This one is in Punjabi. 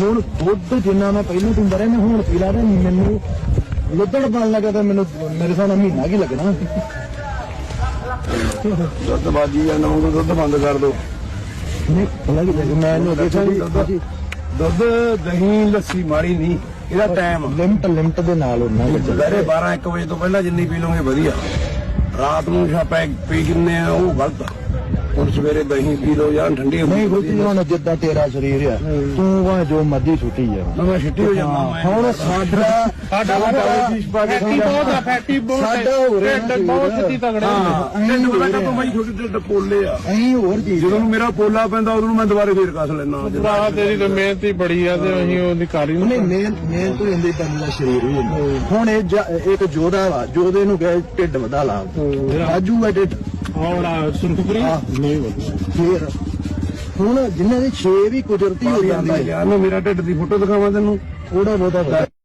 ਹੁਣ ਦੁੱਧ ਜਿੰਨਾ ਮੈਂ ਪਹਿਲਾਂ ਪੀਂਦਾ ਰਿਹਾ ਮੈਂ ਹੁਣ ਪੀ ਲਾ ਤੇ ਮੈਨੂੰ ਲੁੱਦੜ ਬਣ ਲੱਗਾ ਤਾਂ ਮੈਨੂੰ ਮੇਰੇ ਸਾਹਮਣੇ ਮਹੀਨਾ ਕੀ ਲੱਗਣਾ। ਦੁੱਧ ਬਾਜੀ ਜਾਂਦਾ ਹੁਣ ਦੁੱਧ ਬੰਦ ਕਰ ਦੋ। ਨਹੀਂ ਪਤਾ ਕੀ ਮੈਂ ਇਹਨੂੰ ਦੇਖਿਆ ਜੀ ਦੁੱਧ ਦਹੀਂ ਲੱਸੀ ਮਾੜੀ ਨਹੀਂ, ਇਹਦਾ ਟਾਈਮ ਲਿਮਟ ਦੇ ਨਾਲ ਉਹਨਾਂ ਦੁਪਹਿਰੇ 12-1 ਵਜੇ ਤੋਂ ਪਹਿਲਾਂ ਜਿੰਨੀ ਪੀ ਲਓਗੇ ਵਧੀਆ। ਰਾਤ ਨੂੰ ਛਾਪੈ ਪੀ ਕਿੰਨੇ ਆ ਉਹ ਗਲਤ ਆ। ਹੁਣ ਸਵੇਰੇ ਦਹੀਂ ਪੀ ਲਓ ਜਾਂ ਠੰਡੀ ਨਹੀਂ ਹੋਤੀ ਹੁਣ ਜਿੱਦਾਂ ਤੇਰਾ ਸਰੀਰ ਆ ਤੂੰ ਵਾ ਜੋ ਮਰਜ਼ੀ ਛੁੱਟੀ ਜਾ ਮੈਂ ਛੁੱਟੀ ਹੋ ਜਾਂਦਾ। ਹੁਣ ਸਾਡਾ ਫੈਟੀ ਬਹੁਤ ਸਾਡਾ ਹੋ ਰਿਹਾ ਬਹੁਤ ਸਿੱਧੀ ਤਗੜੇ ਛੋਟੇ ਪੋਲੇ ਆ। ਅਸੀਂ ਹੋਰ ਚੀਜ਼ ਜਦੋਂ ਮੇਰਾ ਪੋਲਾ ਪੈਂਦਾ ਉਦੋਂ ਮੈਂ ਦੁਬਾਰੇ ਫੇਰ ਕੱਸ ਲੈਣਾ। ਭਰਾ ਤੇਰੀ ਤਾਂ ਮਿਹਨਤ ਹੀ ਬੜੀ ਆ ਤੇ ਅਸੀਂ ਉਹਦੀ ਕਰ ਹੀ ਨਹੀਂ ਮੇਨ ਤੋਂ ਇੰਦੇ ਬੰਦੇ ਦਾ ਸਰੀਰ ਹੀ ਹੁੰਦਾ। ਹੁਣ ਇਹ ਇੱਕ ਜੋਧਾ ਵਾ ਜੋਧੇ ਨੂੰ ਕਹੇ ਢਿੱਡ ਵਧਾ ਲਾ ਰਾਜੂ ਹੈ ਢਿੱਡ ਸੁਰਖਪੁਰੀ ਨਹੀਂ ਫੇਰ ਹੁਣ ਜਿਨ੍ਹਾਂ ਦੇ 6 ਵੀ ਕੁਦਰਤੀ ਹੋ ਜਾਂਦੇ ਮੇਰਾ ਢਿੱਡ ਦੀ ਫੋਟੋ ਦਿਖਾਵਾਂ ਤੈਨੂੰ ਥੋੜਾ ਬਹੁਤਾ